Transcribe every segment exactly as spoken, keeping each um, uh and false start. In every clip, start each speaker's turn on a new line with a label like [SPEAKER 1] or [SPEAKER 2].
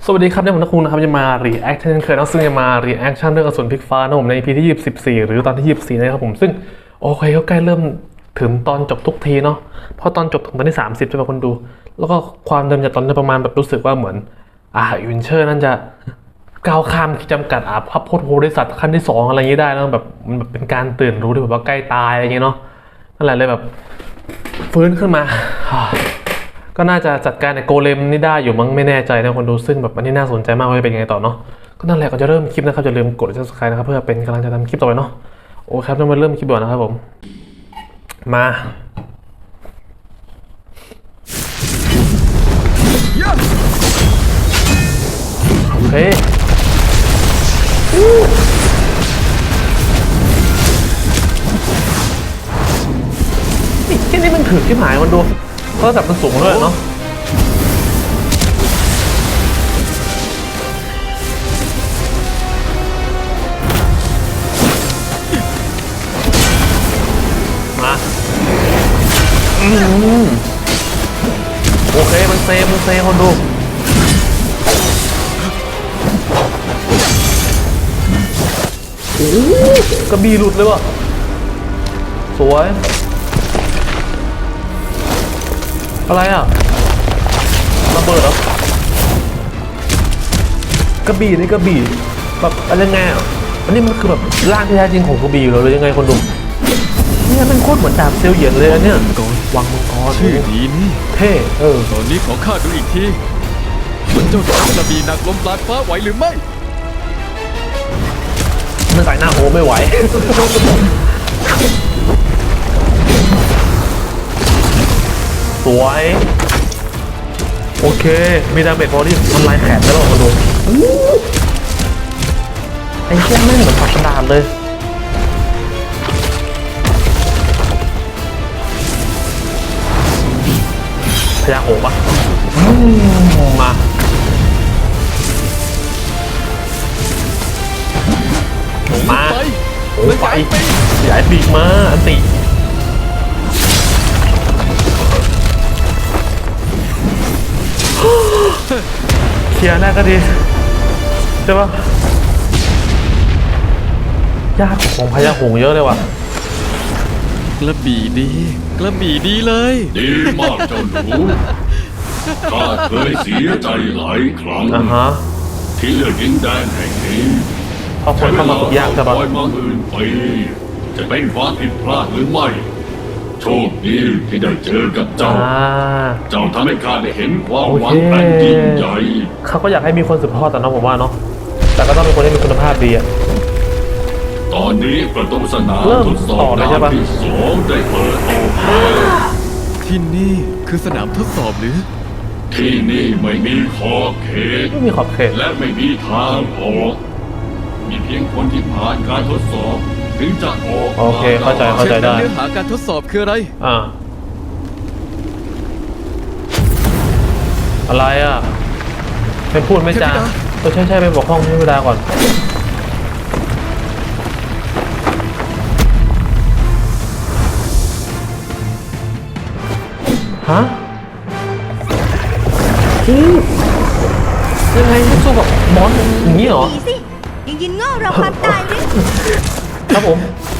[SPEAKER 1] สวัสดีครับเนี่ยผมนักคุณนะครับจะมา react เช่นเคยนะซึ่งจะมา reaction เรื่องอสูรพลิกฟ้านะผมใน อี พี ที่ยี่สิบสี่หรือตอนที่ยี่สิบสี่นะครับผมซึ่งโอเคก็ใกล้เริ่มถึงตอนจบทุกทีเนาะเพราะตอนจบถึงตอนที่สามสิบใช่ไหมคนดูแล้วก็ความเดิมจากตอนนี้ประมาณแบบรู้สึกว่าเหมือนอ่าวินเชอร์นั่นจะก้าวข้ามขีดจำกัดอ่าพับโพธิโพธิสัตว์ขั้นที่สองอะไรอย่างนี้ได้แล้วแบบมันแบบเป็นการตื่นรู้ที่แบบว่าใกล้ตายอะไรอย่างเงี้ยเนาะนั่นแหละเลยแบบฟื้นขึ้นมาก็น่าจะจัดการในโกเลมนี่ได้อยู่มั้งไม่แน่ใจนะคนดูซึ่งแบบอันนี้น่าสนใจมากว่าจะเป็นยังไงต่อเนาะก็นั่นแหละก่อนจะเริ่มคลิปนะครับอย่าลืมกด ซับสไครบ์ นะครับเพื่อเป็นกำลังใจทำคลิปต่อไปเนาะโอ้ครับเรามาเริ่มคลิปก่อนนะครับผมมาโอเคนี่ที่นี่มันถือที่หายมันดูเพราะระดับมันสูงด้วยเนาะโอเคมันเซมันเซคนดูโอ้กระบี่หลุดเลยว่ะสวยอะไรอ่ะระเบิดเหรอกระบี่นี่กระบี่แบบอะไรไงอ่ะอันนี้มันคือแบบร่างที่แท้จริงของกระบี่เหรอหรือยังไงคนดูเนี่ยมันโคตรเหมือนดาบเซียวเหยียนเลยอันเนี้ยวางมังกร
[SPEAKER 2] ชื่อดีนี่
[SPEAKER 1] เท่เออ
[SPEAKER 2] ตอนนี้ขอข้าดูอีกทีมันเจ้าจะกระบี่หนักลมปราณฟ้าไหวหรือไม่
[SPEAKER 1] มันใส่หน้าโอไม่ไหวสวยโอเคมีดาเมจพอที่มันลายแขนได้หรอมาดูไอ้เชี่ยไม่เหมือนฝักกระดาษเลยพยาโอบะมามาโอ้ไปขยายปีกมาอันติเคลียร์แรกก็ดีใช่ปะยากของพยาหงเยอะเลยว่ะ
[SPEAKER 2] กระบี่ดีกระบี่ดีเลย
[SPEAKER 3] ดีมากเจ้าหนูข้าเคยเสียใจหลายครั้ง
[SPEAKER 1] uh-huh.
[SPEAKER 3] ที่เลือกดินแดนแห่งนี้
[SPEAKER 1] พอคนเข้ามาฝึกยากใช่ปะ
[SPEAKER 3] มาอื่นไปจะเป็นความผิดพลาดหรือไม่โชคดีที่ได้เจอกับเจ้าเจ้าทำให้ข้าได้เห็นความหวังอันยิ่งใหญ่
[SPEAKER 1] เขาก็อยากให้มีคนสืบทอดแต่น้องผมว่าเนาะแต่ก็ต้องเป็นคนที่มีคุณภาพดีอะ
[SPEAKER 3] ตอนนี้ประตูสนามทดสอบดาวที่สองได้เปิดออก
[SPEAKER 2] ที่นี่คือสนามทดสอบหรือ
[SPEAKER 3] ที่นี่ไม่มีขอบเขต
[SPEAKER 1] ไม่มีขอบเขต
[SPEAKER 3] และไม่มีทางออกมีเพียงคนที่ผ่านการทดสอบถึงจะออก
[SPEAKER 1] โอเคเข้าใจเข้าใจได้
[SPEAKER 2] เนื้อหาการทดสอบคืออะไร
[SPEAKER 1] อ่าอะไรอ่ะไม่พูดไม่จาเออใช่ใช่ไปบอกห้องให้เวลาก่อนฮะยังไงสู้กับมอนอย่างนี้เหรอ
[SPEAKER 4] ยังยินง่อเราความตายหรือ
[SPEAKER 1] ครับผม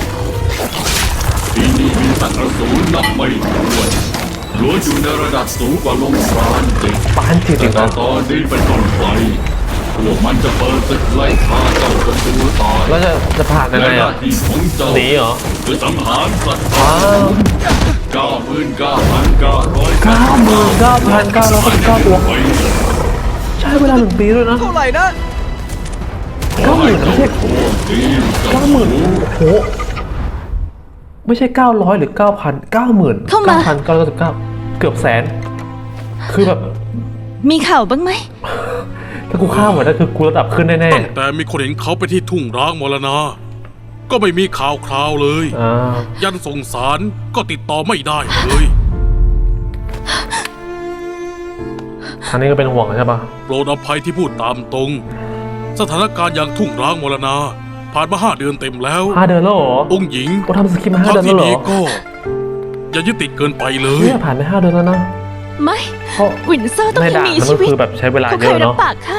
[SPEAKER 3] ที่นี่มีสัตว์อสูรนับไม่ถ้วนล้วนอยู่ในระดับสูงกว่าลมปราณจิต
[SPEAKER 1] ปานจิต
[SPEAKER 3] แต่ตอนนี้เป็นต้นไปพวกมันจะเปิดศึกไล่ฆ่าเจ้าจนตัวตาย
[SPEAKER 1] แล้วจะจะผ่านยังไงอ่ะหนีเหรอ
[SPEAKER 3] คือสังหารสัตว์
[SPEAKER 1] อ้าว
[SPEAKER 3] เก้าหมื่นเก้าพันเก้าร้อย
[SPEAKER 1] เก้าหมื่นเก้าพันเก้าร้อยเก้าตัวใช้เวลาหนึ่งปีด้วยนะ
[SPEAKER 2] เท่าไหร่นะ
[SPEAKER 1] เก้าหมื่นไม่ใช่เก้าหมื่นโหไม่ใช่เก้าร้อยหรือเก้าพันเก้าหมื่นเก้าพันเก้าร้อยสิบเก้าเกือบแสนคือแบบ
[SPEAKER 4] มีข่าวบ้างไหม
[SPEAKER 1] ถ้ากูข้ามหมดนั่นคือกูระดับขึ้นแน่ๆ
[SPEAKER 5] ตั้งแต่มีคนเห็นเขาไปที่ทุ่งร้างมรณะก็ไม่มีข่าวคราวเลยยันส่งสารก็ติดต่อไม่ได้เลย
[SPEAKER 1] ทางนี้ก็เป็นห่วงใช่ปะ
[SPEAKER 5] โปรดอภัยที่พูดตามตรงสถานการณ์อย่างทุ่งร้างมรณะผ่านมาห้าเดือนเต็มแล้ว
[SPEAKER 1] ห้าเดือนแล้วเหรอ
[SPEAKER 5] องค์หญิง
[SPEAKER 1] ก็ทำสคริปต์มาห้าเดือนแล้วเหรอ
[SPEAKER 5] ก็อย่ายึดติดเกินไปเลย
[SPEAKER 1] เนี่ยผ่านไปห้าเดือนแล้วนะ
[SPEAKER 4] ไม่
[SPEAKER 1] เพราะ
[SPEAKER 4] วินเซอร์ต้อง
[SPEAKER 1] ใน
[SPEAKER 4] ยัง
[SPEAKER 1] ด่าน
[SPEAKER 4] มี
[SPEAKER 1] มัน
[SPEAKER 4] ชี
[SPEAKER 1] ก็
[SPEAKER 4] วิต
[SPEAKER 1] คือแบบใช้เวลา
[SPEAKER 4] เขา
[SPEAKER 1] เย
[SPEAKER 4] เคย
[SPEAKER 1] อะ
[SPEAKER 4] รับ
[SPEAKER 1] เนาะ
[SPEAKER 4] ปากค่ะ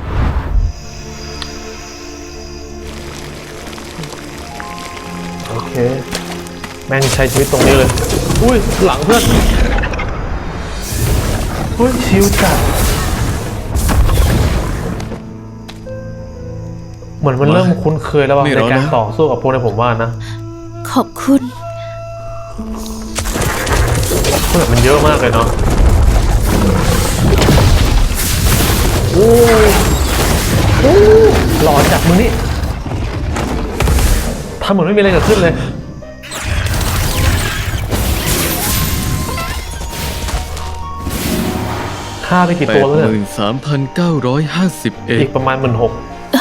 [SPEAKER 1] โอเคแม่งใช้ชีวิตตรงนี้เลยอุ้ยหลังเพื่อนอุ้ยชิวจัดเหมือนมันเริ่มคุ้นเคยแล้วว่ะ
[SPEAKER 2] ไม่
[SPEAKER 1] ใน
[SPEAKER 2] รอ
[SPEAKER 1] การ
[SPEAKER 2] นะ
[SPEAKER 1] ต่อสู้กับพวกนี้ผมว่านะ
[SPEAKER 4] ขอบคุณ
[SPEAKER 1] เพื่อนมันเยอะมากเลยเนาะโอ้โหหล่อจัดมึงนี่ทำเหมือนไม่มีอะไรเกิดขึ้นเลยฆ่าไปกี่
[SPEAKER 2] แป
[SPEAKER 1] ตัว
[SPEAKER 2] ด
[SPEAKER 1] แล้ว
[SPEAKER 2] ห
[SPEAKER 1] เนี่ย
[SPEAKER 2] มื่นสามพันเก้าร้อยห้าสิบเอ็
[SPEAKER 1] อี
[SPEAKER 2] ด
[SPEAKER 1] กประมาณหมื่นหก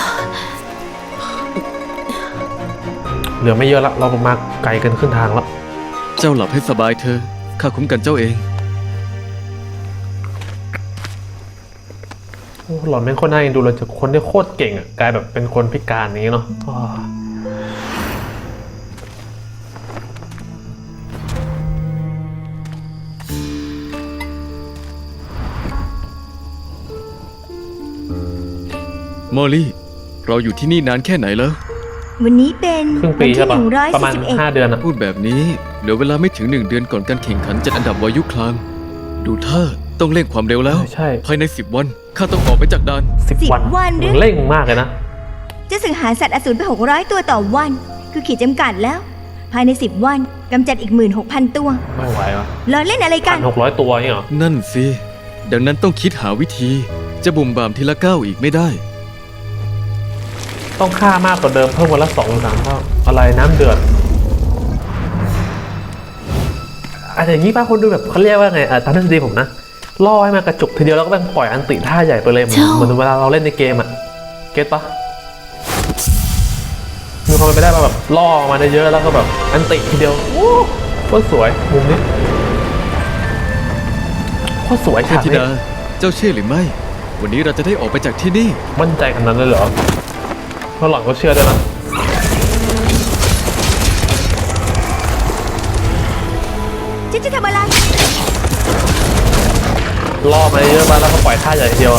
[SPEAKER 1] เหลือไม่เยอะละเรามาไกลกันขึ้นทางแล้ว
[SPEAKER 2] เจ้าหลับให้สบายเธอะข้าคุ้มกันเจ้าเอง
[SPEAKER 1] โอ้หล่อนเป็นคนน่าเอ็นดูเลยจากคนที่โคตรเก่งอ่ะกลายแบบเป็นคนพิการอย่างนี้เนาะอ้อ
[SPEAKER 2] มอลลี่ เราอยู่ที่นี่นานแค่ไหนแล้ว
[SPEAKER 4] วันนี้เป็น
[SPEAKER 1] ครึ่ง
[SPEAKER 4] วั
[SPEAKER 1] ปี
[SPEAKER 4] ที่
[SPEAKER 1] ใช่ปะ
[SPEAKER 4] หนึ่งร้อย
[SPEAKER 1] ประมาณ
[SPEAKER 4] สี่สิบเอ็ด
[SPEAKER 1] ห้าเดือนอ่ะ
[SPEAKER 2] พูดแบบนี้เหลือเวลาไม่ถึงหนึ่งเดือนก่อนการแข่งขันจัดอันดับวายุคลาม ดูท่าต้องเร่งความเร็วแล้ว
[SPEAKER 1] ใช่
[SPEAKER 2] ภายในสิบวันข้าต้องออกไปจากด่าน
[SPEAKER 1] สิบ
[SPEAKER 4] สิบ
[SPEAKER 1] วัน
[SPEAKER 4] วันหรือ
[SPEAKER 1] มึงเร่งมากเลยนะ
[SPEAKER 4] จะสังหารสัตว์อสูรไปหกร้อยตัวต่อวัน คือขีดจำกัดแล้ว ภายในสิบวันกำจัดอีกหมื่นหกพันตัว
[SPEAKER 1] ไม่ไหววะ
[SPEAKER 4] ล้อเล่นอะไรกั
[SPEAKER 1] พั
[SPEAKER 4] น
[SPEAKER 1] นหกร้อยตัวนี่เหรอ
[SPEAKER 2] นั่นสิ ดังนั้นต้องคิดหาวิธี จะบุ่มบามทีละก้าวอีกไม่ได้
[SPEAKER 1] ต้องฆ่ามากกว่าเดิมเพิ่มวันละสองสามเท่าอะไรน้ำเดือดอาจจะอย่างนี้ป้าคนดูแบบเขาเรียกว่าไงอ่ะตามทฤษฎีผมนะล่อให้มากระจุกทีเดียวแล้วก็แบ่งปล่อยอันติท่าใหญ่ไปเลยเหมือน
[SPEAKER 4] เจ้า
[SPEAKER 1] เหมือนเวลาเราเล่นในเกมอ่ะเก็ตปะมีความเป็นไปได้มาแบบล่อมาได้เยอะแล้วก็แบบอันติทีเดียวโอ้โคตรสวยมุมนี้โคตรสวย
[SPEAKER 2] เท
[SPEAKER 1] ฉาก
[SPEAKER 2] พธิ
[SPEAKER 1] นี้
[SPEAKER 2] ดา เจ้าเชื่อหรือไม่ วันนี้เราจะได้ออกไปจากที่นี่
[SPEAKER 1] มั่นใจขนาดนั้นเลยเหรอเพราะหลังก็เชื่อด้วยนะ
[SPEAKER 4] ฉันจะทำอะไร
[SPEAKER 1] ล่อมาเยอะมาแล้วก็ปล่อยท่าใหญ่ทีเดียวอะ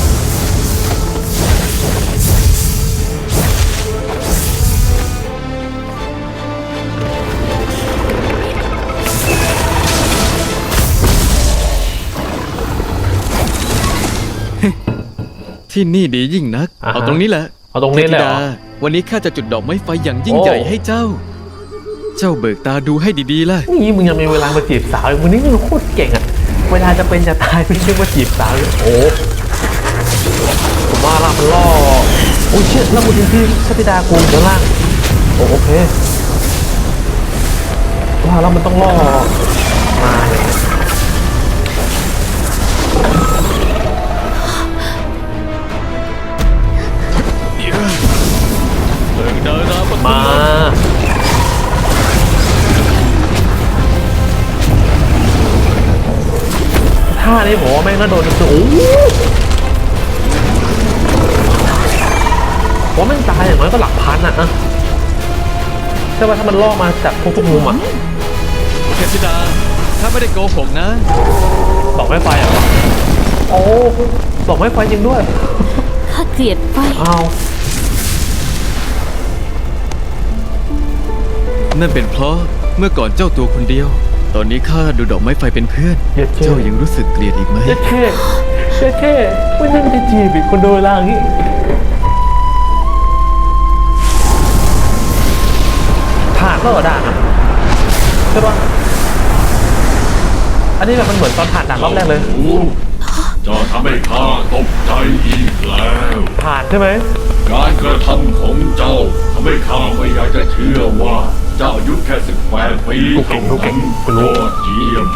[SPEAKER 2] ที่นี่ดียิ่งนัก เอาตรงนี้แหละ
[SPEAKER 1] เอาตรงนี้เลยเหรอ
[SPEAKER 2] ทพธิดาวันนี้ข้าจะจุดดอกไม้ไฟอย่างยิ่ง
[SPEAKER 1] โอ้
[SPEAKER 2] ใหญ่ให้เจ้า เจ้าเบิกตาดูให้ดีๆล่ะ
[SPEAKER 1] นี่มึงยังมีเวลามาจีบสาวอีกมึงนี่มึงโคตรเก่งอะเวลาจะเป็นจะตายมึงยังมาจีบสาวอยู่โอ้ผมว่าละมันล่อโอ้ยเชี่ยแล้วกูทิ้งที่ชติดากูอยู่ข้างล่างโอ้โอเคว่าแล้วมันต้องล่อมาเลย
[SPEAKER 2] เบิกดาราป
[SPEAKER 1] มาท่านี้ผมว่าแม่งน่าโดนคือโอ้โหผมว่าแม่งตายอย่างน้อยก็หลักพันอะอะใช่ป่ะถ้ามันล่อมาจากพวกทุกมุมอะ
[SPEAKER 2] เทพธิดาข้าไม่ได้โกหกนะ
[SPEAKER 1] ดอกไม้ไฟเหรอโอ้ดอกไม้ไฟจริงด้วย
[SPEAKER 4] ข้าเกลียดไฟ
[SPEAKER 1] เอา
[SPEAKER 2] นั่นเป็นเพราะเมื่อก่อนเจ้าตัวคนเดียว ตอนนี้ข้าดูดอกไม้ไฟเป็นเพื่อน
[SPEAKER 1] เย็ดเช่
[SPEAKER 2] เจ้ายังรู้สึกเกลียดอีกไหม
[SPEAKER 1] เย็ดเช่เย็ดเช่ไม่นั่งจะจีบอีกคนโดนล่างนี้ผ่านแล้วเหรอด่านอะใช่ปะอันนี้แบบมันเหมือนตอนผ่านด่านรอบแรกเลย
[SPEAKER 3] โอ้เจะทำให้ข้าตกใจอีกแล้ว
[SPEAKER 1] ผ่านใช่ไหม
[SPEAKER 3] การกระทำของเจ้าทำให้ข้าไม่อยากจะเชื่อว่าเจ้าอายุแค่สิบแปดปี
[SPEAKER 1] กูเก่งกูเก่งกูรู้
[SPEAKER 3] ยอดเยี่ยม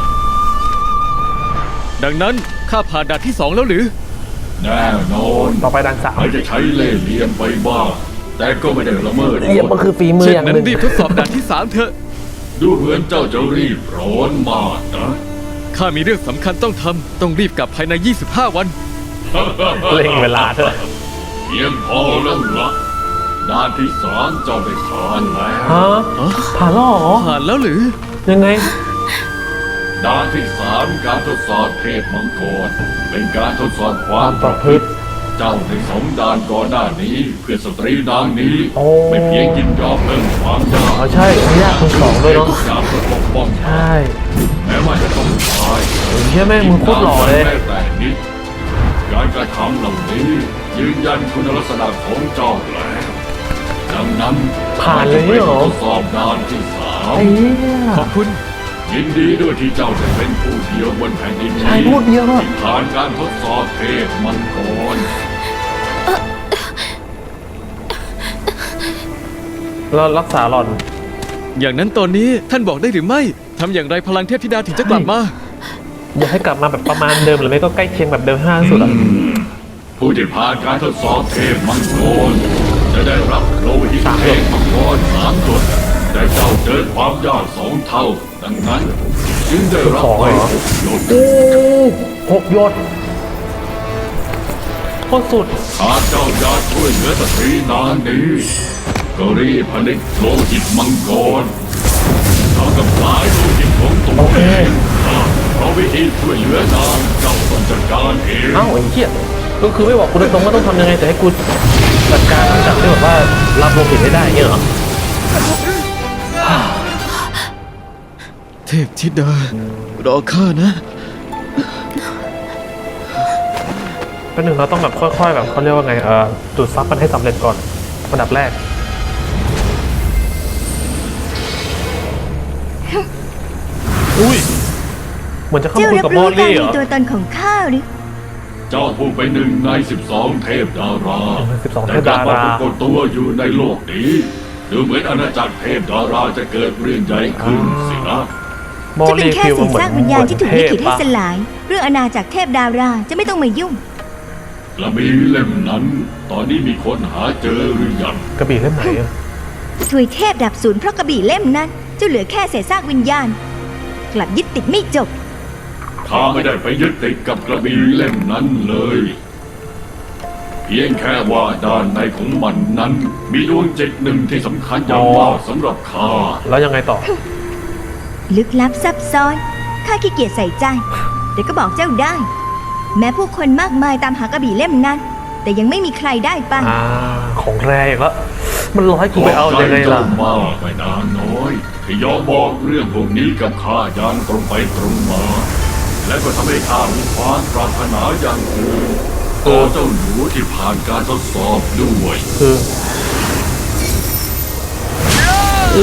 [SPEAKER 2] ดังนั้นข้าผ่านด่านที่สองแล้วหรือ
[SPEAKER 3] แน่นอน
[SPEAKER 1] ต่อไปด่านสาม
[SPEAKER 3] ไม่จะใช้เล่ห์เหลี่ยมไปบ้างแต่ก็ไม่ได้ละเมิด
[SPEAKER 1] เหลี่ยมมันคือฝีมือ
[SPEAKER 2] เช่น
[SPEAKER 1] อย่าง
[SPEAKER 2] นั้
[SPEAKER 1] หนึ่ง
[SPEAKER 2] นรีบทดสอบด่านที่สามเถอะ
[SPEAKER 3] ดูเหมือนเจ้าจะรีบร้อนมากนะ
[SPEAKER 2] ข้ามีเรื่องสำคัญต้องทำ ต้องรีบกลับภายใน ยี่สิบห้า วัน
[SPEAKER 1] เร่งเวลาด้วย
[SPEAKER 3] เพียงพอแล้วละด้านที่สามเจ้าได้ผ่านแล้ว
[SPEAKER 1] ฮะผ่านแล้วเหรอ
[SPEAKER 2] ผ่านแล้วหรือ
[SPEAKER 1] ยังไง
[SPEAKER 3] ด่านที่สามการทดสอบเทพมังกรเป็นการทดสอบความ
[SPEAKER 1] ป
[SPEAKER 3] ประ ระ
[SPEAKER 1] พ
[SPEAKER 3] พ
[SPEAKER 1] ฤ
[SPEAKER 3] ฤ
[SPEAKER 1] ติ
[SPEAKER 3] ติเจ้าในสองด่านก่อนหน้านี้เพื่อสตรีนางนี้
[SPEAKER 1] โอ้
[SPEAKER 3] ไม่เพียงยินยอมเพิ่มความยาก
[SPEAKER 1] อ๋อใช่ไม่ยากทั้งสองด้วยเนาะ
[SPEAKER 3] อยากจะปกป้อง
[SPEAKER 1] ใช่
[SPEAKER 3] แม้ว่าจะต้องตาย
[SPEAKER 1] เฮียแม่งมึงโคตรหล่อเลย
[SPEAKER 3] แม้แต่นิดการกระทำเหล่านี้ยืนยันคุณลักษณะของเจ้าแล้วดังนั้น
[SPEAKER 1] ผ่านเลยเหรอ
[SPEAKER 3] ทดสอบด่านที่สาม
[SPEAKER 1] ไอ้เหี้ย
[SPEAKER 2] ขอบคุณ
[SPEAKER 3] ยินดีด้วยที่เจ้าจะเป็นผู้เดียวบนแผ่นดินนี้
[SPEAKER 1] ใช่พูดเดียวอะ
[SPEAKER 3] ที่ผ่านการทดสอบเทพมังกร
[SPEAKER 1] เรารักษาหล่อน
[SPEAKER 2] อย่างนั้นตอนนี้ท่านบอกได้หรือไม่ทำอย่างไรพลังเทพธิดาถึงจะกลับมา
[SPEAKER 1] อยากให้กลับมาแบบประมาณเดิมหรือไม่ก็ใกล้เคียงแบบเดิมห้าสุดอ่ะ
[SPEAKER 3] ผู้ที่ผ่านการทดสอบเทพมังกรจะได้รับโลหิต
[SPEAKER 1] สาม
[SPEAKER 3] เท
[SPEAKER 1] หยด
[SPEAKER 3] พมังกรสามหยดแต่เจ้าเจอความยากสองเท่า ดังนั้นจึงได้รับไปหกหยด
[SPEAKER 1] โอ้หกหยดโคตรสุด
[SPEAKER 3] หากเจ้าอยากช่วยเหลือสตรีนางนี้ก็รีบผลิตโลหิตมังกรเท่ากับสายโลหิตของตัว
[SPEAKER 1] โอเค
[SPEAKER 3] เองเพราะวิธีช่วยเหลือนางเจ้าต้องจัดการเอง
[SPEAKER 1] เอ้าไอ้เหี้ยก็คือไม่บอกกูตรงๆว่าต้องทำยังไงแต่ให้กูจัดการทั้งจากที่แบบว่ารับโลหิตให้ได้เงี้ยเหรอ
[SPEAKER 2] เทพธิดารอข้านะ
[SPEAKER 1] เป็นหนึ่งเราต้องแบบค่อยๆแบบเขาเรียกว่าไงเอ่อดูดซับมันให้สำเร็จก่อนอันดับแรกอุ้ยเหมือนจะเข้า
[SPEAKER 4] เจ้า
[SPEAKER 1] มาคุย
[SPEAKER 4] รับ
[SPEAKER 1] กับม
[SPEAKER 4] รู้
[SPEAKER 1] อล
[SPEAKER 4] การ
[SPEAKER 1] ลี่เหร
[SPEAKER 4] มี
[SPEAKER 1] อ
[SPEAKER 4] ตัวตนของข้าหรือ
[SPEAKER 3] เจ้าผู้เป็นหนึ่งในสิบสองเทพดารา
[SPEAKER 1] สิบสองเท
[SPEAKER 3] แต่
[SPEAKER 1] พ
[SPEAKER 3] กลั
[SPEAKER 1] ดา
[SPEAKER 3] บมา
[SPEAKER 1] รา
[SPEAKER 3] ปรากฏตัวอยู่ในโลกนี้ดูเหมือนอาณาจักรเทพดาราจะเกิดเรื่องใหญ่ขึ้นสินะ
[SPEAKER 1] มอล
[SPEAKER 4] จะเป็น
[SPEAKER 1] ลี่
[SPEAKER 4] แค่
[SPEAKER 1] ฟิล
[SPEAKER 4] เศ
[SPEAKER 1] มัน
[SPEAKER 4] ษ
[SPEAKER 1] เหมือน
[SPEAKER 4] ซากวิญญาณที่ถูกลิขิตให้
[SPEAKER 1] เทพ
[SPEAKER 4] ส
[SPEAKER 1] ปะ
[SPEAKER 4] ลาย เรื่องอาณาจักรเทพดาราจะไม่ต้องมายุ่ง
[SPEAKER 3] กระบี่เล่มนั้น ตอนนี้มีคนหาเจอหรือยัง
[SPEAKER 1] กระบี่เล่มไหนอะ
[SPEAKER 4] ถวยเทพดับศูนย์เพราะกระบี่เล่มนั้นเจ้าเหลือแค่เศษซากวิญญาณ กลับยึดติดไม่จบ
[SPEAKER 3] ข้าไม่ได้ไปยึดติดกับกระบี่เล่มนั้นเลย เพียงแค่ว่าด้านในของมันนั้น มีดวงจิตหนึ่งที่สำคัญอย่างมากสำหรับข้า
[SPEAKER 1] แล้วยังไงต่อ
[SPEAKER 4] ลึกลับซับซ้อน ข้าขี้เกียจใส่ใจ แต่ก็บอกเจ้าได้ แม้ผู้คนมากมายตามหากระบี่เล่มนั้น แต่ยังไม่มีใครได้ไป
[SPEAKER 1] อ่า ของแรงอีกแล้วมันร้อยกูไปเอายังไงล่ะ
[SPEAKER 3] ขอบใจเจ้ามากไปนางน้อยที่ยอมบอกเรื่องพวกนี้กับข้าอย่างตรงไปตรงมา และก็ทำให้ข้ามีความปรารถนาอย่างอื่นต่อเจ้าหนูที่ผ่านการทดสอบด้วย
[SPEAKER 1] คือโอ้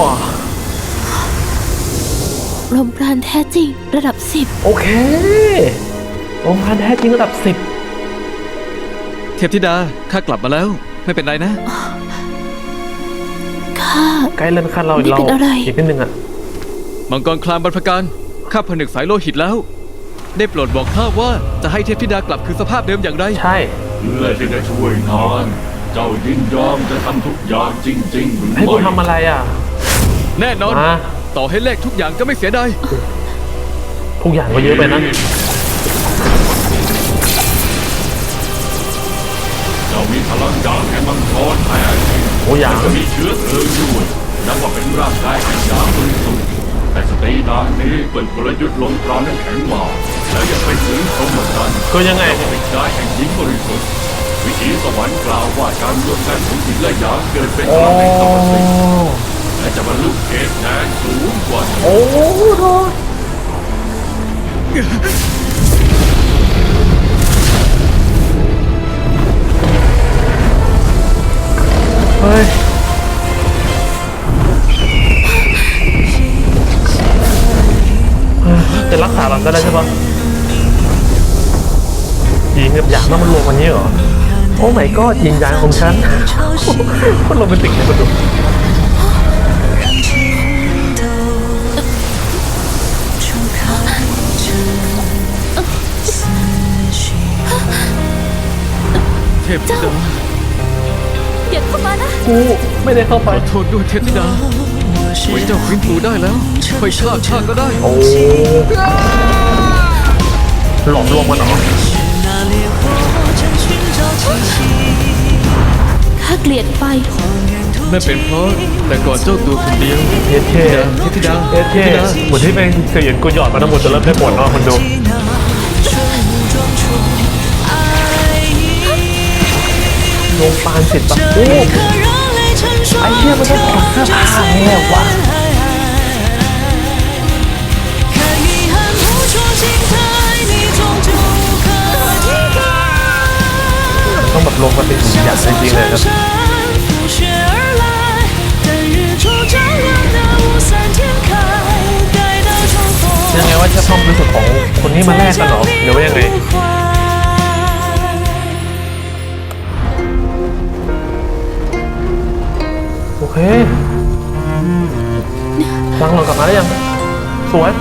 [SPEAKER 6] ลมปราณแท้จริงระดับสิบ
[SPEAKER 1] โอเคองค์พันแท้จริงระดับสิบ
[SPEAKER 2] เทพธิดาข้ากลับมาแล้ว ไม่เป็นไรนะ
[SPEAKER 6] ข้า
[SPEAKER 1] ใกล้เลื่อนขั้นเราอีก
[SPEAKER 6] นี่
[SPEAKER 1] เรา
[SPEAKER 6] เป็นอะไร
[SPEAKER 1] อีกนิดนึงอ่ะ
[SPEAKER 2] มังกรคลามบรรพการข้าผนึกสายโลหิตแล้ว ได้โปรดบอกข้าว่าจะให้เทพธิดากลับคืนสภาพเดิมอย่างไร
[SPEAKER 1] ใช่
[SPEAKER 3] เพื่อที่จะช่วยนานเจ้ายินยอมจะทำทุกอย่างจริงๆหรือ
[SPEAKER 1] ให้กู
[SPEAKER 3] ไม่
[SPEAKER 1] ทำอะไรอ่ะ
[SPEAKER 2] แน่นอน
[SPEAKER 1] อ่ะ
[SPEAKER 2] ต่อให้แลกทุกอย่างก็ไม่เสียดาย
[SPEAKER 1] ทุกอย่างก็เยอะไปนะ
[SPEAKER 3] เจ้ามีพลังอย่างแห่งมังกรแท้จริง
[SPEAKER 1] โอ้อย่าง
[SPEAKER 3] จะมีเชื้อเพลิงด้วยนับว่าเป็นร่างกายแห่งยาบริสุทธิ์แต่สตรีนางนี้เปิดกลยุทธ์ลงตราน้ำแข็งมาแล้วยังไปถึงพรหมจรรย์
[SPEAKER 1] ก็ยังไง
[SPEAKER 3] เป็นกายแห่งหญิงบริสุทธิ์วิถีสวรรค์กล่าวว่าการรวมกันของหญิงและหยางเกิดเป็นพ
[SPEAKER 1] โอ้
[SPEAKER 3] ลังแห่งธรรมสิทธิ์และจะบรรลุเขตแดนสูงกว่านี้
[SPEAKER 1] โอ้โหเฮ้ย จะรักษาหลังก็ได้ใช่ปะหญิงกับหยางต้องมันรวมกันนี้เหรอ โอ้ my god หญิงหยางของฉัน โคตรโรแมนติกเลยมาดู
[SPEAKER 2] เทพธิดา
[SPEAKER 6] อย่าเข้ามานะ
[SPEAKER 1] กูไม่ได้เข้าไป
[SPEAKER 2] ขอโทษด้วยเทพธิดาไว้เจ้าฟื้นฟูได้แล้วค่อยฆ่าข้าก็ได้
[SPEAKER 1] โอ้หลอมรวมกันเหรอ
[SPEAKER 6] ข้าาเกลียดไฟ
[SPEAKER 2] นั่นเป็นเพราะแต่ก่อนเจ้าตัวคนเดียว
[SPEAKER 1] เท่เท่
[SPEAKER 2] เทพธิดา
[SPEAKER 1] เท่เท่เหมือนที่เป็นเสียงกูหยอดมาทั้งหมดจนเริ่มได้ผลเนาะคนดูโรงปานสิทธิ์ปะโอ้ไอ้เชี่ยมันต้องถอดเสื้อผ้าแน่วะต้องแบบลงมาเป็นหุ่นหยาบจริงๆเลยครับยังไงว่าจะต้องรู้สึกของคนนี้มาแลกกันเหรอหรือว่ายังไงโอเคฟังเรากลับมาได้ยังสวย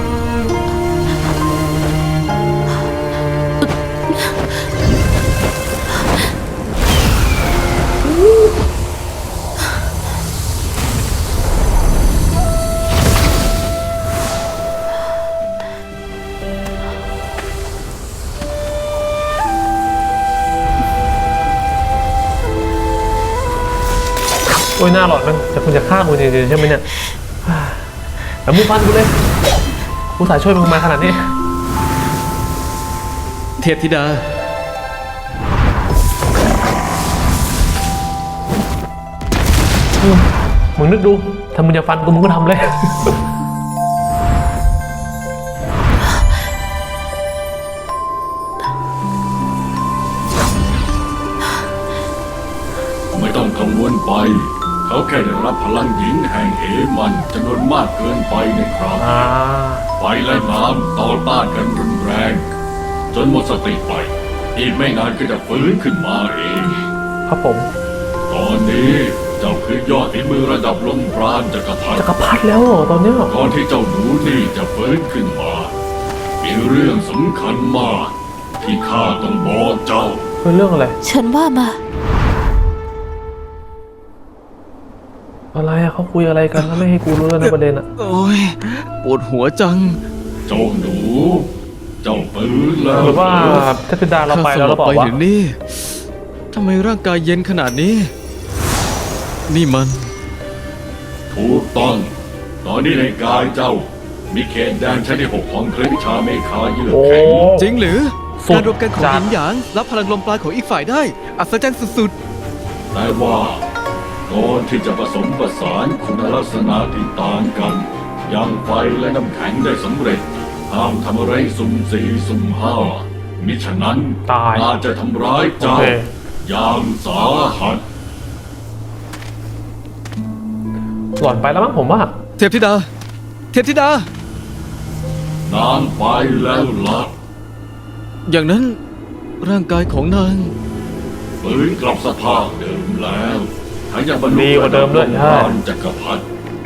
[SPEAKER 1] โอ้ยหน้าหลอดมันจะคุณจะฆ่ามึงจริงๆใช่ไหมเนี่ยแต่มึงฟันกูเลยกูสายช่วยมึงมาขนาดนี้
[SPEAKER 2] เทพธิดา
[SPEAKER 1] มึงนึกดูถ้ามึงจะฟันกูมึงก็ทำเลย
[SPEAKER 3] ไม่ต้องกังวลไป เขาแค่ได้รับพลังหญิงแห่งเหมันจำนวนมากเกินไปในคราว
[SPEAKER 1] อ่า
[SPEAKER 3] ไฟและน้ำต่อต้านกันรุนแรง จนหมดสติไป อีกไม่นานก็จะฟื้นขึ้นมาเอง
[SPEAKER 1] ครับผม
[SPEAKER 3] ตอนนี้เจ้าคือยอดฝีมือระดับลมปราณจักรพรรดิ
[SPEAKER 1] จักรพรรดิแล้วเหรอตอนเนี้ย
[SPEAKER 3] ก่อนที่เจ้าหนูนี่จะฟื้นขึ้นมา มีเรื่องสำคัญมาก ที่ข้าต้องบอกเจ้า
[SPEAKER 1] เป็นเรื่องอะไร
[SPEAKER 6] ฉันว่ามา
[SPEAKER 1] อะไรอะเขาคุยอะไรกันแล้วไม่ให้กูรู้แล้วนะประเด็นอะ
[SPEAKER 2] โอ้ยปวดหัวจัง
[SPEAKER 3] เจ้าหนู เจ้าฟื้นแล้ว
[SPEAKER 1] หรือว่าเทพธิดาเราไปแล้วเราบอก
[SPEAKER 2] ไป
[SPEAKER 1] ว่า
[SPEAKER 2] ถึงนี่ทำไมร่างกายเย็นขนาดนี้ นี่มัน
[SPEAKER 3] ถูกต้อง ตอนนี้ในกายเจ้า มีเขตแดนชั้นที่หกของเครือวิชาเมฆาเยือก
[SPEAKER 1] โอ้
[SPEAKER 3] แข็ง
[SPEAKER 2] จริงหรือ
[SPEAKER 1] สุด
[SPEAKER 2] การรวมกันของ
[SPEAKER 1] จั
[SPEAKER 2] ห
[SPEAKER 1] ด
[SPEAKER 2] ยินหยางรับพลังลมปราณของอีกฝ่ายได้ อัศจรรย์สุด
[SPEAKER 3] แต่ว่าก่อนที่จะผสมผสานคุณลักษณะที่ต่างกันอย่างไฟและน้ำแข็งได้สำเร็จห้ามทำอะไรสุ่มสี่สุ่มห้ามิฉะนั้น
[SPEAKER 1] ตาย
[SPEAKER 3] อาจจะทำร้ายเจ้า
[SPEAKER 1] โอเค
[SPEAKER 3] อย่างสาหัส
[SPEAKER 1] หล่อนไปแล้วมั้งผมว่า
[SPEAKER 2] ๆ เทพธิดา เทพธิดา
[SPEAKER 3] นางไปแล้วล่ะ
[SPEAKER 2] อย่างนั้นร่างกายของนาง
[SPEAKER 3] ฟื้นกลับสภาพเดิมแล้วทั้งยังบรรลุ
[SPEAKER 1] ดีกว่าเดิมด้วย
[SPEAKER 3] ระ
[SPEAKER 1] ใช่
[SPEAKER 3] ดับจักรพรรดิ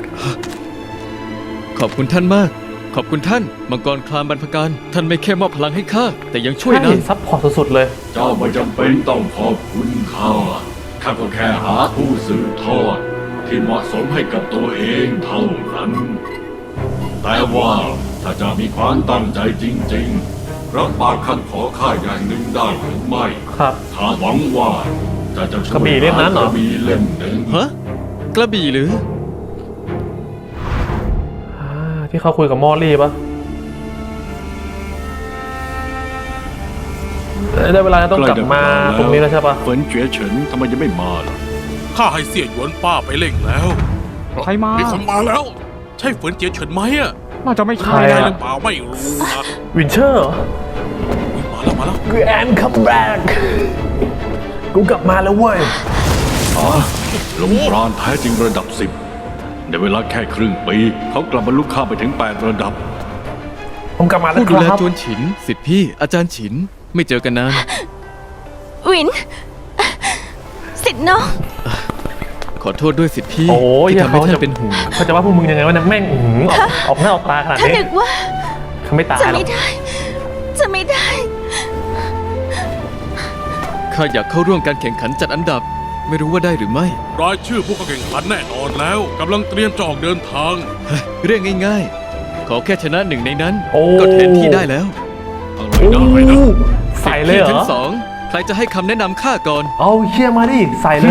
[SPEAKER 2] ขอบคุณท่านมาก ขอบคุณท่าน มังกรคลามบรรพการ ท่านไม่แค่มอบพลังให้ข้า แต่ยังช่วย
[SPEAKER 1] ใช่
[SPEAKER 2] นาง
[SPEAKER 1] ซัพพอร์ตสุดๆเลย
[SPEAKER 3] เจ้าไม่จำเป็นต้องขอบคุณข้าข้าก็แค่หาผู้สืบทอด ที่เหมาะสมให้กับตัวเองเท่านั้น แต่ว่าถ้าจะมีความตั้งใจจริงๆรับปากคำขอข้าอย่างหนึ่งได้หรือไม่
[SPEAKER 1] ครับ
[SPEAKER 3] ข้าหวังว่าจะจะช่วย
[SPEAKER 1] กระบี่เล่มนั้นเหรอ
[SPEAKER 3] กระบี่เล่มหนึ่ง
[SPEAKER 2] ฮะ กระบี่หรือ
[SPEAKER 1] อ่าที่เขาคุยกับมอลลี่ปะได้เวลาต้องกลับมาตรงนี้แล้วใช่ปะ
[SPEAKER 3] เฟินเจ๋อเฉินทำไมยังไม่มาล่ะ
[SPEAKER 5] ข้าให้เสี่ยหยวนป้าไปเล่งแล้ว
[SPEAKER 7] ใครมา
[SPEAKER 5] มีคนมาแล้ว ใช่เฟินเจียเฉินไหมอะ
[SPEAKER 7] น่าจะไม่
[SPEAKER 1] ใคร
[SPEAKER 7] ใช่
[SPEAKER 5] ใช่
[SPEAKER 1] อะ
[SPEAKER 5] หรือเปล่าไม่รู้นะ
[SPEAKER 1] วินเชอร์เหรอ
[SPEAKER 5] อุ๊ยมาแล้วมาแล้ว
[SPEAKER 1] คือแอนคัมแบ็กกูกลับมาแล้วเว้ย
[SPEAKER 3] อ๋อลมปราณแท้จริงระดับสิบในเวลาแค่ครึ่งปี เขากลับมาลุกข้ามไปถึงแปดระดับ
[SPEAKER 1] ผมกลับมาแล้ว
[SPEAKER 2] ผู้
[SPEAKER 1] ค
[SPEAKER 2] ดูแล
[SPEAKER 1] รับ
[SPEAKER 2] จวนฉิน สิทธิพี่ อาจารย์ฉิน ไม่เจอกันนาน
[SPEAKER 6] วิน สิทธิ์น้อง
[SPEAKER 2] ขอโทษด้วยสิทธิพี่
[SPEAKER 1] โอ้ย
[SPEAKER 2] ที่ทำให้
[SPEAKER 1] เขา
[SPEAKER 2] ท่า
[SPEAKER 1] จะ
[SPEAKER 2] นเป็นห่วง
[SPEAKER 1] เขาจะว่าพวกมึงยังไงวะเนี่ยแม่งอื้อหือออกออกหน้าออกตาขนาด
[SPEAKER 6] ถ้า
[SPEAKER 1] นี้
[SPEAKER 6] นึกว่า
[SPEAKER 1] เขาไม่ตาย
[SPEAKER 6] จะ
[SPEAKER 1] หรอ
[SPEAKER 6] ไม่
[SPEAKER 1] ก
[SPEAKER 6] ได้ จะไม่ได้
[SPEAKER 2] ข้าอยากเข้าร่วมการแข่งขันจัดอันดับ ไม่รู้ว่าได้หรือไม่
[SPEAKER 5] รายชื่อผู้เข้าแข่งขันแน่นอนแล้วกำลังเตรียมจะออกเดินทาง
[SPEAKER 2] เรื่องง่ายๆ ขอแค่ชนะหนึ่งในนั้น
[SPEAKER 1] โอ้
[SPEAKER 2] ก็แทนที่ได้แล้ว
[SPEAKER 3] อะไรได้นะ
[SPEAKER 1] ใส่เลยเหร
[SPEAKER 2] ทั้
[SPEAKER 1] อง
[SPEAKER 2] สองใครจะให้คำแนะนำข้าก่อน
[SPEAKER 1] เอาเชี่ยมาดิใส่เลย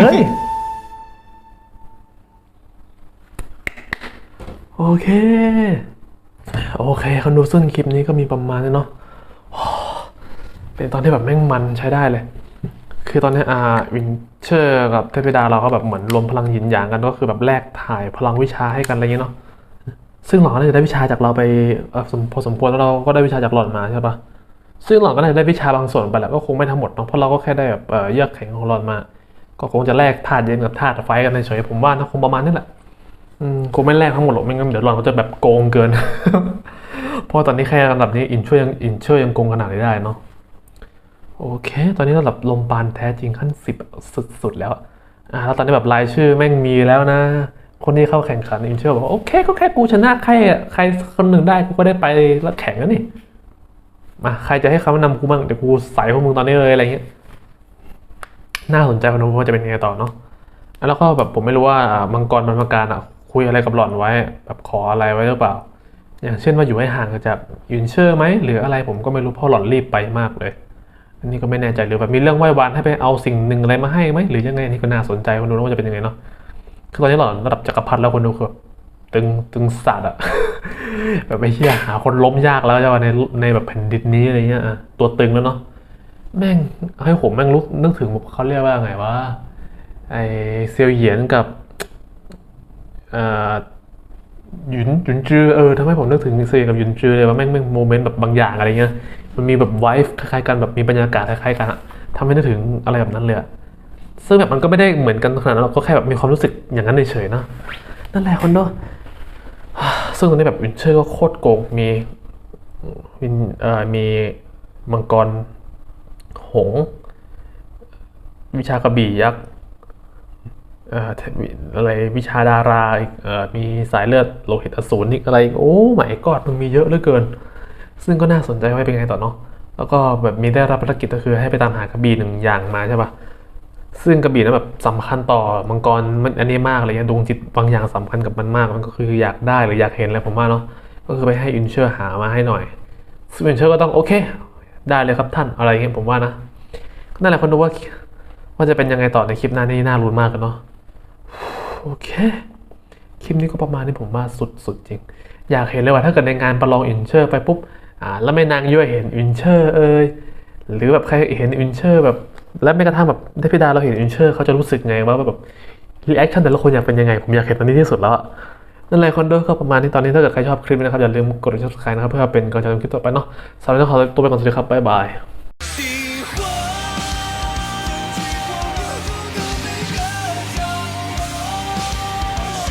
[SPEAKER 1] โอเค โอเคคนดูซึ่งคลิปนี้ก็มีประมาณนี้เนาะเป็นตอนที่แบบแม่งมันใช้ได้เลย คือตอนนี้อ่าวินเชอร์กับเทพธิดาเราก็แบบเหมือนรวมพลังหยินหยางกันก็คือแบบแลกถ่ายพลังวิชาให้กันอะไรอย่างเงี้ยเนาะซึ่งหล่อนก็น่าจะได้วิชาจากเราไปเอ่อสมพอสมควรแล้วเราก็ได้วิชาจากหล่อนมาใช่ปะซึ่งหล่อนก็น่าจะได้วิชาบางส่วนไปแหละก็คงไม่ทั้งหมดเนาะเพราะเราก็แค่ได้แบบเอ่อเยือกแข็งของหล่อนมา ก็คงจะแลกธาตุเย็นกับธาตุไฟกันเฉยๆผมว่านะคงประมาณนี้แหละอืมคงไม่แลกทั้งหมดหรอกไม่งั้นเดี๋ยวหล่อนก็จะแบบโกงเกิน เพราะตอนนี้แค่ระดับนี้อินช่วยยังอินเชอร์ยังโกงขนาดนี้ได้เนาะโอเค ตอนนี้ระดับลมปานแท้จริงขั้นสิบสุดๆแล้วอ่าแล้วตอนนี้แบบรายชื่อแม่งมีแล้วนะ คนที่เข้าแข่งขันอินเชอร์บอกว่าโอเคก็แค่กูชนะใครอ่ะใครคนหนึ่งได้กูก็ได้ไปแล้วแข่งแล้วนี่มาใครจะให้คำแนะนำกูบ้างเดี๋ยวกูใส่พวกมึงตอนนี้เลยอะไรเงี้ยน่าสนใจคนดูว่าจะเป็นยังไงต่อเนาะแล้วก็แบบผมไม่รู้ว่าอ่ามังกรบรรพการอ่ะคุยอะไรกับหล่อนไว้แบบขออะไรไว้หรือเปล่า อย่างเช่นว่าอยู่ให้ห่างจากยุนเชอร์ไหมหรืออะไรผมก็ไม่รู้เพราะหล่อนรีบไปมากเลยอันนี้ก็ไม่แน่ใจหรือแบบมีเรื่องไหว้วานให้ไปเอาสิ่งหนึ่งอะไรมาให้ไหมหรือยังไงอันนี่ก็น่าสนใจคนดูว่าจะเป็นยังไงเนาะคือตอนนี้หล่อนระดับจักรพรรดิแล้วคนดูคือแบบตึงตึงสัตว์อะ แบบไม่เชี่ยหาคนล้มยากแล้วจะว่าในในแบบแผ่นดินนี้อะไรเงี้ยอะตัวตึงแล้วเนาะแม่งให้ผมแม่งรู้นึกถึงเขาเรียกว่าไงว่าไอเซียวเหยียนกับเอ่อ หยุนหยุนจือเออทำให้ผมนึกถึงเซียกับหยุนจือเลยว่าแม่งแม่งโมเมนต์แบบบางอย่างอะไรเงี้ยมันมีแบบไวฟ์คล้ายๆกันแบบมีบรรยากาศคล้ายๆกันอะทำให้นึกถึงอะไรแบบนั้นเลยอะซึ่งแบบมันก็ไม่ได้เหมือนกันขนาดนั้นเราก็แค่แบบมีความรู้สึกอย่างนั้นเฉยๆนะนั่นแหละคนเนาะซึ่งตอนนี้แบบวินเชอร์ก็โคตรโกงมีวินเอ่อมีมังกรหงส์วิชากระบี่ยักษ์ เอ่ออะไรวิชาดาราอีกเอ่อมีสายเลือดโลหิตอสูรอีกอะไรอีกโอ้ไม่กอดมันมีเยอะเหลือเกิน ซึ่งก็น่าสนใจว่าเป็นไงต่อเนาะแล้วก็แบบมีได้รับภารกิจก็คือให้ไปตามหากระบี่หนึ่งอย่างมาใช่ปะซึ่งกระบี่นั้นแบบสำคัญต่อมังกรมันอันนี้มากเลยดวงจิตบางอย่างสำคัญกับมันมากมันก็คืออยากได้หรืออยากเห็นอะไรผมว่าเนาะก็คือไปให้อินเชอร์หามาให้หน่อยซึ่งอินเชอร์ก็ต้องโอเคได้เลยครับท่านอะไรเงี้ยผมว่านะนั่นแหละคนดูว่าว่าจะเป็นยังไงต่อในคลิปหน้านี่น่าลุ้นมากกันเนาะโอเคคลิปนี้ก็ประมาณนี้ผมว่าสุดๆจริงอยากเห็นเลยว่าถ้าเกิดในงานประลองอินเชอร์ไปปุ๊บอ่าแล้วแม่นางย่อยเห็นอินเชอร์เอยหรือแบบใครเห็นอินเชอร์แบบและแม้กระทั่งแบบเทพธิดาเราเห็นอินเชอร์เขาจะรู้สึกไงว่าแบบรีแอคชั่นแต่ละคนอยากเป็นยังไงผมอยากเห็นตอนนี้ที่สุดแล้วนั่นแหละคนดูก็ประมาณนี้ตอนนี้ถ้าเกิดใครชอบคลิปนี้นะครับอย่าลืมกด ซับสไครบ์ นะครับเพื่อเป็นกำลังใจในคลิปต่อไปเนาะสำหรับวันนี้ขอตัวไปก่อนสวัสดีครับบ๊ายบาย